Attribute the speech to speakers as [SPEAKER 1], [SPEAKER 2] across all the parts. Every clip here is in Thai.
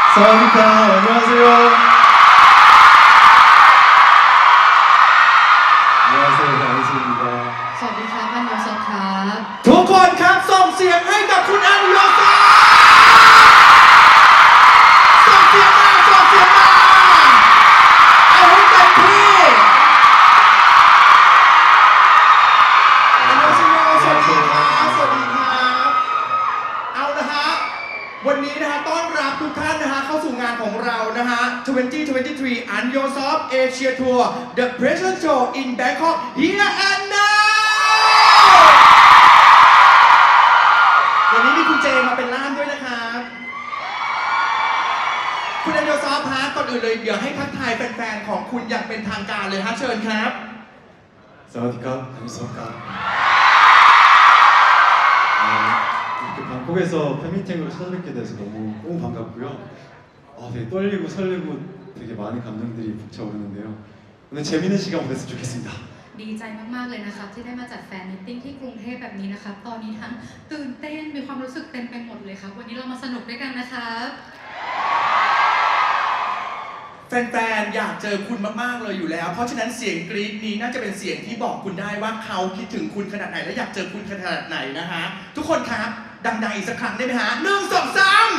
[SPEAKER 1] 사와디카 안녕하세요. 안녕하세요. 안승입니다.
[SPEAKER 2] สวัสดีครับอันโยซอครับ
[SPEAKER 3] ทุกคนครับส่งเสียงให้กับคุณอันโยซาส่งเสียงมาเอาให้เต็มที่อันโยซาสวัสดีครับเอานะฮะวันนี้นะฮะต้อนรับทุกท่านนะฮะเข้าสู่งานของเรานะฮะ 2023 อันโยซอฟเอเชียทัวร์ The President Show in Bangkok Here and Now วันนี้มีคุณเจมาเป็นล่ามด้วยนะครับคุณอันโยซอฟฮะก่อนอื่นเลยเดี๋ยวให้ทักทายแฟนๆของคุณอย่างเป็นทางการเลยฮะเชิญครับ
[SPEAKER 1] 사와디카 안녕하십니까. 이렇게 방콕에서 팬미팅으로 찾아뵙게 돼서 너무 반갑고요. 되게 떨리고 설레고 되게 많은 감정들이 북차오르는데요. 오늘 재밌는 시간 보냈으면 좋겠습니다.
[SPEAKER 2] ดีใจมากๆเลยนะครับที่ได้มาจัดแฟนมิทติ้งที่กรุงเทพแบบนี้นะครับตอนนี้ทั้งตื่นเต้นมีความรู้สึกเต็มไปหมดเลยครับวันนี้เรามาสนุกด้วยกันนะครับ
[SPEAKER 3] แฟนๆ อยากเจอคุณมากๆ เลยอยู่แล้ว เพราะฉะนั้นเสียงกรี๊ดนี้น่าจะเป็นเสียงที่บอกคุณได้ว่าเขาคิดถึงคุณขนาดไหนและอยากเจอคุณขนาดไหนนะฮะทุกคนครับดังๆอีกสักครั้งได้ไหมฮะ1 2 3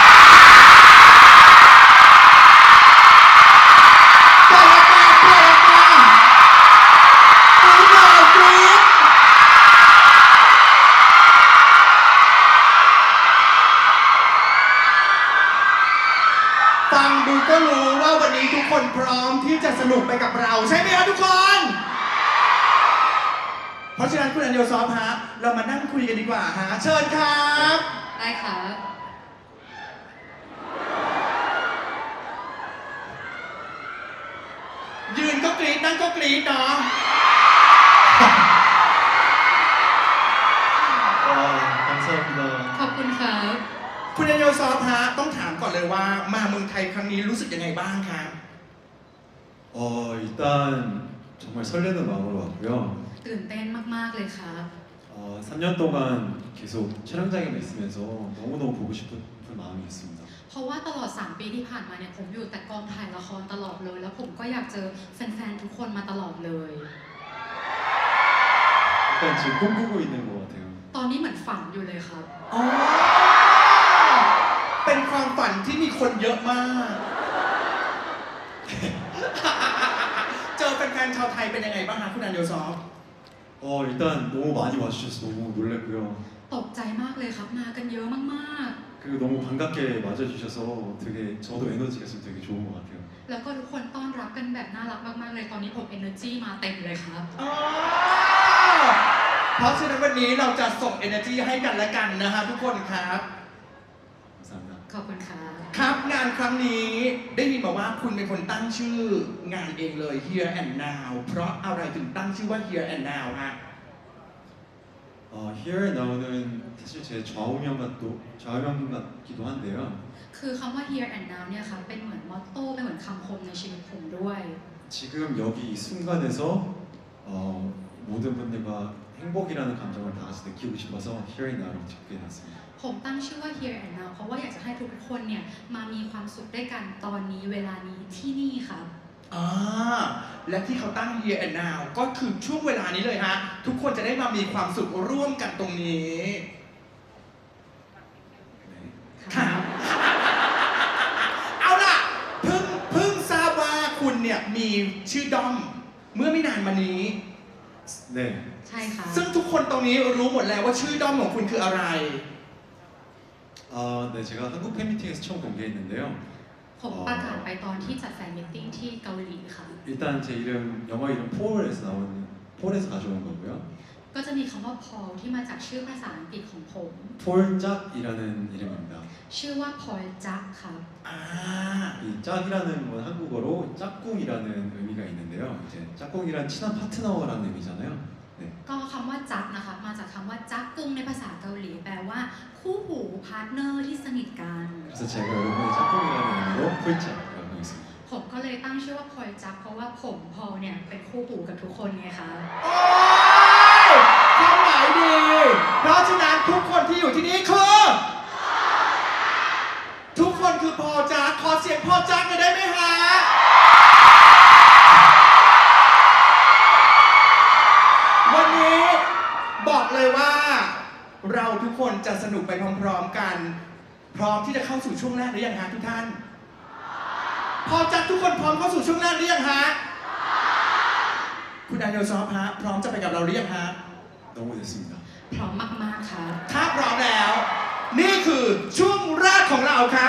[SPEAKER 3] ฟังดูก็รู้ว่าวันนี้ทุกคนพร้อมที่จะสนุกไปกับเราใช่ไหมครับทุกคน เพราะฉะนั้นคุณอันโยซอฟฮะเรามานั่งคุยกันดีกว่าฮะเชิญครับ
[SPEAKER 2] ได้ครับ
[SPEAKER 3] ยืนก็กรี๊ดนั่งก็กรี๊ดเนาะ
[SPEAKER 1] 감사합니다.
[SPEAKER 2] ขอบคุณครับ
[SPEAKER 3] คุณอันโยซอฟฮะต้องถามก่อนเลยว่ามาเมืองไทยครั้งนี้รู้สึกยังไงบ้างครับ
[SPEAKER 1] 일단 정말 설레는 마음으로 왔고요.
[SPEAKER 2] ตื่นเต้นมากๆเลยครับ
[SPEAKER 1] 3년 동안 계속 촬영장에만 있으면서 너무너무 보고 싶은 마음이 있습니다.
[SPEAKER 2] เพราะว่าตลอด3ปีที่ผ่านมาเนี่ยผมอยู่แต่กองถ่ายละครตลอดเลยแล้วผมก็อยากเจอแฟนๆทุกคนมาตลอดเลย
[SPEAKER 1] 약간 지금 꿈꾸고 있는 것 같아요.
[SPEAKER 2] ตอนนี้เหมือนฝันอยู่เลยครับ
[SPEAKER 3] อ๋อ เป็นความฝันที่มีคนเยอะมาก เจอแฟนๆชาวไทยเป็นยังไงบ้างคะคุณอันโยซอฟ
[SPEAKER 1] 일단 너무 많이 와주셔서 너무 놀랐고요.
[SPEAKER 2] ตกใจมากเลยครับมากันเยอะมาก
[SPEAKER 1] 그리고 너무 반갑게 맞아주셔서 되게 저도 에너지가 지금 되게 좋은 것 같아요.
[SPEAKER 2] ๆ แล้วก็ทุกคนต้อนรับกันแบบน่ารักมากๆเลยตอนนี้ผม energy มาเต็มเลยครับ
[SPEAKER 3] อ๋อ เพราะฉะนั้นวันนี้เราจะส่ง energy ให้กันและกันนะฮะทุกคนครับ
[SPEAKER 1] 감사합니다.
[SPEAKER 2] ขอบคุณครับ
[SPEAKER 3] ครับงานครั้งนี้ได้ยินมาว่าคุณเป็นคนตั้งชื่องานเองเลย Here and Now เพราะอะไรถึงตั้งชื่อว่า Here and Now ฮะ
[SPEAKER 1] Here and Now는 사실 제 좌우명 같기도 한데요.
[SPEAKER 2] คือคำว่า here and now เนี่ยครับเป็นเหมือนมอตโต้เป็นเหมือนคำคมในชีวิตผมด้วย
[SPEAKER 1] 지금 여기 이 순간에서 모든 분들과 행복이라는 감정을 다 같이 느끼고 싶어서 Here and Now를 짓게 됐습니다.
[SPEAKER 2] ผมตั้งชื่อว่า here and now เพราะว่าอยากจะให้ทุกคนเนี่ยมามีความสุขด้วยกันตอนนี้เวลานี้ที่นี่ครับ
[SPEAKER 3] และที่เขาตั้ง Here and Now ก็คือช่วงเวลานี้เลยฮะ ทุกคนจะได้มามีความสุขร่วมกันตรงนี้
[SPEAKER 1] 네.
[SPEAKER 3] ครับ เอาล่ะเพิ่งทราบว่าคุณเนี่ยมีชื่อด้อมเมื่อไม่นานมานี้
[SPEAKER 1] 네.
[SPEAKER 2] ใช่ครับ
[SPEAKER 3] ซึ่งทุกคนตรงนี้รู้หมดแล้วว่าชื่อด้อมของคุณคืออะไร
[SPEAKER 1] 네, 제가 한국 팬미팅에서 처음 공개했는데요.
[SPEAKER 2] ผมประกาศไปตอนที่จัดแฟนมิทติ้งที่เกาหลีค่ะ
[SPEAKER 1] 일단 제 이름 영어 이름 폴에서 가져온 거고요.
[SPEAKER 2] ก็จะมีคำว่า Paul ที่มาจากชื่อภาษาอังกฤษของผม
[SPEAKER 1] 폴짝이라는 이름입니다.
[SPEAKER 2] ชื่อว่า Paul จักครับ
[SPEAKER 1] 이 짝이라는 건 한국어로 짝꿍이라는 의미가 있는데요. 이제 짝꿍이란 친한 파트너라는 의미잖아요. 네.
[SPEAKER 2] ก็คำว่าจักนะคะมาจากคำว่าจักกุงในภาษาเกาหลีแปลว่าคู่หูพาร์ทเนอร์ที่สนิทกัน
[SPEAKER 1] 그래서 제가 여러분의 짝꿍이라는 의미로 폴짝이라고 하겠습니다.
[SPEAKER 2] ผมก็เลยตั้งชื่อว่าพลอยจักเพราะว่าผมพอลเนี่ยเป็นคู่หูกับทุกคนไงคะ
[SPEAKER 3] โอ้ยความหมายดี เพราะฉะนั้นทุกคนที่อยู่ที่นี่คือทุกคนคือพอจักขอเสียงพอจักหน่อยได้ไหมฮะวันนี้บอกเลยว่าเราทุกคนจะสนุกไปพร้อมๆกัน พร้อมที่จะเข้าสู่ช่วงแรกหรือยังฮะทุกท่านพอจักทุกคนพร้อมเข้าสู่ช่วงแรกหรือยังฮะคุณอันโยซอฟฮะพร้อมจะไปกับเราหรือยังฮะ
[SPEAKER 1] 너무 됐습니다.
[SPEAKER 2] พร้อมมากๆครับ
[SPEAKER 3] ถ้าพร้อมแล้ว นี่คือช่วงแรกของเราครับ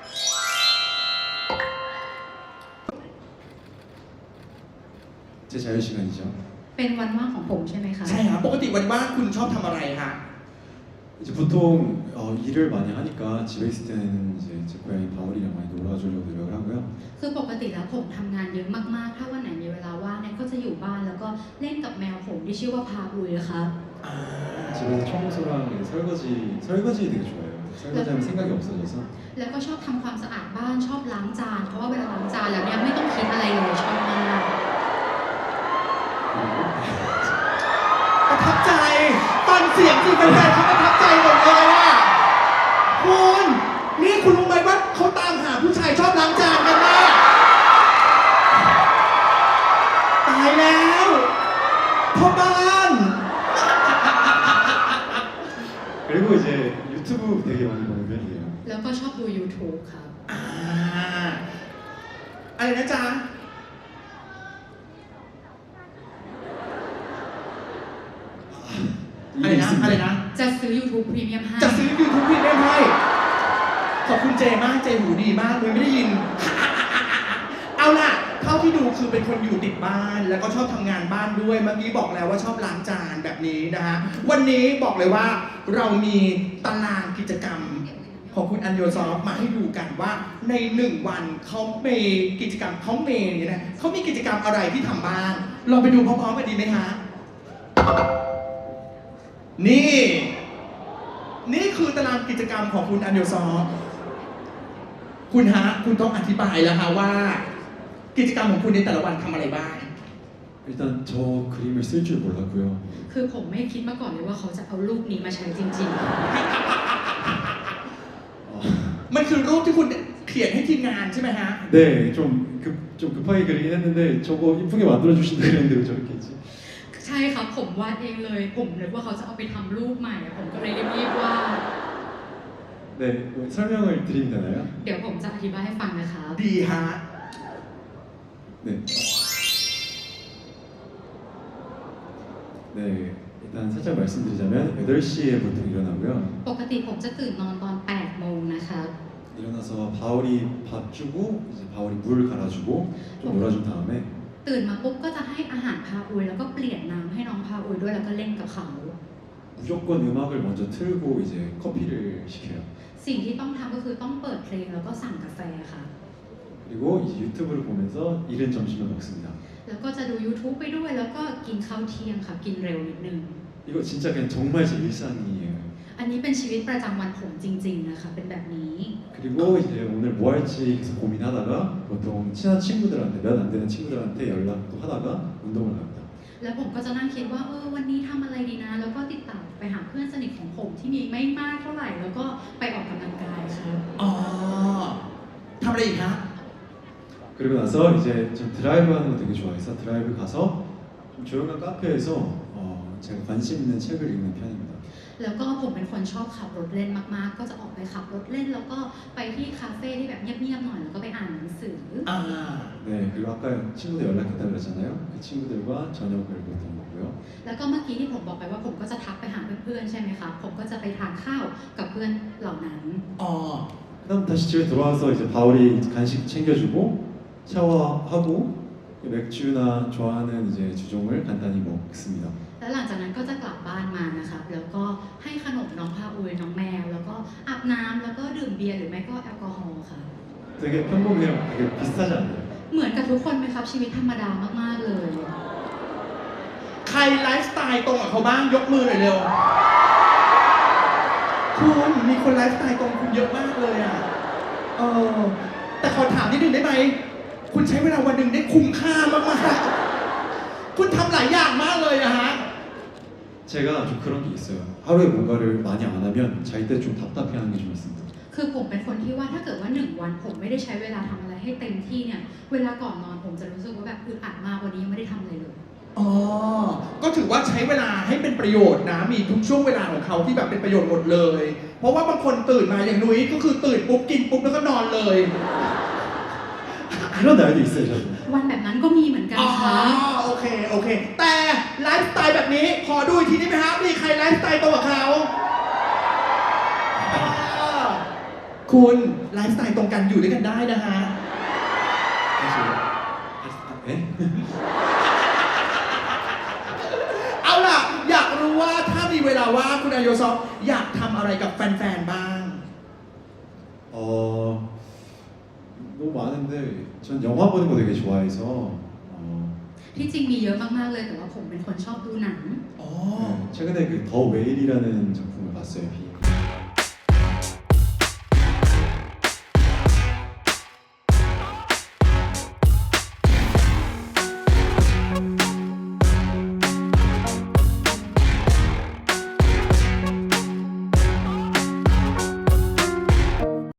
[SPEAKER 1] 제 자유 시간이죠.
[SPEAKER 2] เป็นวันว่างของผมใช่ไหมคะ
[SPEAKER 3] ใช่ครับปกติวันว่างคุณชอบทำอะไรฮะ
[SPEAKER 1] 이제 보통 일을 많이 하니까 집에 있을 때는 이제 제 고양이 바울이랑 많이 놀아주려고 노력을 하고요.
[SPEAKER 2] คือปกติแล้วผมทำงานเยอะมากๆ ถ้าวันไหนมีเวลาว่างเนี่ยก็จะอยู่บ้านแล้วก็เล่นกับแมวผมที่ชื่อว่าพาอุยครับ
[SPEAKER 1] 집에서 청소랑 이제 설거지 되게 좋아해요. 설거지하면 생각이 없어져서
[SPEAKER 2] แล้วก็ชอบทำความสะอาดบ้านชอบล้างจาน เพราะว่าเวลาล้างจานแล้วเนี่ยไม่ต้องคิดอะไรเลยชอบมาก
[SPEAKER 3] ประทับใจ ตอนเสียงที่แฟนๆเขาประทับใจหมดเลยอ่ะคุณนี่คุณรู้ไหมว่าเขาตามหาผู้ชายชอบล้างจานกันนะตายแล้วพ่อบ้าน
[SPEAKER 1] 그리고 이제 유튜브 되게 많이 보는 편이에요.
[SPEAKER 2] แล้วก็ชอบดู YouTube ครับ
[SPEAKER 3] อ่าอะไรนะจ๊ะ อะไร
[SPEAKER 1] 이게
[SPEAKER 3] นะ
[SPEAKER 1] 있습니다.
[SPEAKER 3] อะไรนะ
[SPEAKER 2] จะซื้อ YouTube Premium ให้
[SPEAKER 3] จะซื้อ YouTube พี่เล่นให้ขอบคุณเจมากเจหูดีมากเลยไม่ได้ยิน เอาล่ะเท่าที่ดูคือเป็นคนอยู่ติดบ้าน แล้วก็ชอบทำงานบ้านด้วย เมื่อกี้บอกแล้วว่าชอบล้างจานแบบนี้นะฮะ วันนี้บอกเลยว่าเรามีตารางกิจกรรมของคุณอันโยซอฟมาให้ดูกันว่าใน1วันเขามีกิจกรรมเขาเมย์เนี่ยนะเขามีกิจกรรมอะไรที่ทำบ้างลองไปดูพร้อมๆกันดีไหมฮะ นี่คือตารางกิจกรรมของคุณอันเดลซอฟคุณฮะ คุณต้องอธิบายแล้วฮะว่า กิจกรรมของคุณในแต่ละวันทำอะไรบ้าง
[SPEAKER 1] 일단 저 그림을 쓸 줄 몰랐고요.
[SPEAKER 2] คือผมไม่คิดมาก่อนเลยว่าเขาจะเอารูปนี้มาใช้จริง
[SPEAKER 1] 어,
[SPEAKER 3] มันคือรูปที่คุณเขียนให้ทีมงานใช่ไหมฮะ
[SPEAKER 1] 네, 좀 급하게 그리긴 했는데 저거 이쁘게 만들어 주신다 그랬는데 왜 저렇게 했지?
[SPEAKER 2] ๆ ใช่ครับผมวาดเองเลย ผมนึกว่าเขาจะเอาไปทำรูปใหม่อะผมก็เลยรีบๆวาด
[SPEAKER 1] 네, 설명을 드리면 되나요?
[SPEAKER 2] เดี๋ยวผมจะอธิบายให้ฟังนะครับ
[SPEAKER 3] ดีฮะ
[SPEAKER 1] 네. 네, 일단 살짝 말씀드리자면 8시에 보통 일어나고요.
[SPEAKER 2] ปกติผมจะตื่นนอนตอน8โมงนะครับ
[SPEAKER 1] 일어나서 바울이 밥 주고 이제 바울이 물 갈아주고 좀 놀아준 다음에
[SPEAKER 2] ตื่นมาปุ๊บก็จะให้อาหารพาอุยแล้วก็เปลี่ยนน้ำให้น้องพาอุยด้วยแล้วก็เล่นกับเขา
[SPEAKER 1] 무조건 음악을 먼저 틀고 이제 커피를 시켜요.
[SPEAKER 2] สิ่งที่ต้องทำก็คือต้องเปิดเพลงแล้วก็สั่งกาแฟค่ะ
[SPEAKER 1] 그리고 이제 유튜브를 보면서 이른 점심을 먹습니다.
[SPEAKER 2] แล้วก็จะดู YouTube ไปด้วยแล้วก็กินข้าวเที่ยงค่ะกินเร็วนิดนึง
[SPEAKER 1] 이거 진짜 그냥 정말 제 일상이에요.
[SPEAKER 2] อันนี้เป็นชีวิตประจำวันผมจริงๆนะคะเป็นแบบนี้
[SPEAKER 1] 그리고 이제 오늘 뭐 할지 계속 고민하다가 보통 친한 친구들한테 몇 안 되는 친구들한테 연락도 하다가 운동을 갑니다.
[SPEAKER 2] แล้วผมก็จะนั่งคิดว่าวันนี้ทำอะไรดีนะ แล้วก็ติดต่อไปหาเพื่อนสนิทของผมที่มีไม่มากเท่าไหร่ แล้วก็ไปออกกำลังกายครับ
[SPEAKER 3] อ๋อทำอะไรอีกฮะ
[SPEAKER 1] 그리고 나서 이제 전 드라이브 하는 거 되게 좋아해서 드라이브 가서 좀 조용한 카페에서 제가 관심 있는 책을 읽는 편입니다.
[SPEAKER 2] แล้วก็ผมเป็นคนชอบขับรถเล่นมากๆ ก็จะออกไปขับรถเล่น แล้วก็ไปที่คาเฟ่ที่แบบเงียบๆหน่อย แล้วก็ไปอ่านหนังสือ
[SPEAKER 3] อ่า
[SPEAKER 1] 네, 그리고 아까 친구들 연락했다고 그랬잖아요. 그 친구들과 저녁을 보통 먹고요.
[SPEAKER 2] แล้วก็เมื่อกี้ที่ผมบอกไปว่าผมก็จะทักไปหาเพื่อนๆใช่ไหมคะผมก็จะไปทานข้าวกับเพื่อนเหล่านั้น
[SPEAKER 3] อ๋อ
[SPEAKER 1] 그다음 다시 집에 돌아와서 이제 바울이 간식 챙겨주고 샤워하고 맥주나 좋아하는 이제 주종을 간단히 먹습니다.
[SPEAKER 2] แล้วหลังจากนั้นก็จะกลับบ้านมานะคะแล้วก็ให้ขนมน้องพาอุยน้องแมว แล้วก็อาบน้ำแล้วก็ดื่มเบียร์หรือไม่ก็แอลกอฮอล์ค่ะ
[SPEAKER 1] 되게 평범해요. 되게 비슷하지 않나요?
[SPEAKER 2] เหมือนกับทุกคนไหมครับชีวิตธรรมดามากๆเลย
[SPEAKER 3] ใครไลฟ์สไตล์ตรงกับเขาบ้างยกมือหน่อยเร็ว คุณมีคนไลฟ์สไตล์ตรงคุณเยอะมากเลยอ่ะแต่ขอถามนิดนึงได้ไหม คุณใช้เวลาวันหนึ่งได้คุ้มค่ามากๆ คุณทำหลายอย่างมากเลยอะฮะ
[SPEAKER 1] 제가 좀 그런 게 있어요. 하루에 뭔가를 많이 안 하면 잘 때 좀 답답해하는 게 좀 있습니다.
[SPEAKER 2] คือผมเป็นคนที่ว่าถ้าเกิดว่า1 วันผมไม่ได้ใช้เวลาทำอะไรให้เต็มที่เนี่ยเวลาก่อนนอนผมจะรู้สึกว่าแบบอึดอัดมากวันนี้ยังไม่ได้ทำอะไรเลย
[SPEAKER 3] อ๋อ ก็ถือว่าใช้เวลาให้เป็นประโยชน์นะ มีทุกช่วงเวลาของเขาที่แบบเป็นประโยชน์หมดเลย เพราะว่าบางคนตื่นมาอย่างนุ้ยก็คือตื่นปุ๊บกินปุ๊บแล้วก็นอนเลย
[SPEAKER 1] 그런 날도 있어요, 저도.
[SPEAKER 2] วันแบบนั้นก็มีเหมือนกัน
[SPEAKER 3] อ๋อ
[SPEAKER 2] ค่ะ
[SPEAKER 3] โอเค โอเค แต่ไลฟ์สไตล์แบบนี้ ขอดูอีกทีได้ไหมฮะมีใครไลฟ์สไตล์ตรงกับเขาอ่าคุณไลฟ์สไตล์ตรงกันอยู่ด้วยกันได้นะฮะ
[SPEAKER 1] 에?
[SPEAKER 3] เอาล่ะ อยากรู้ว่าถ้ามีเวลาว่างคุณอายโยซอฟอยากทำอะไรกับแฟนๆ บ้าง
[SPEAKER 1] 너무 많은데 전 영화 보는 거 되게 좋아해서
[SPEAKER 2] ที่จริงมีเยอะมากๆเลยแต่ว่าผมเป็นคนชอบดูหนัง
[SPEAKER 3] อ๋อ
[SPEAKER 1] 최근에 그 더 웨일이라는 작품을 봤어요, 비.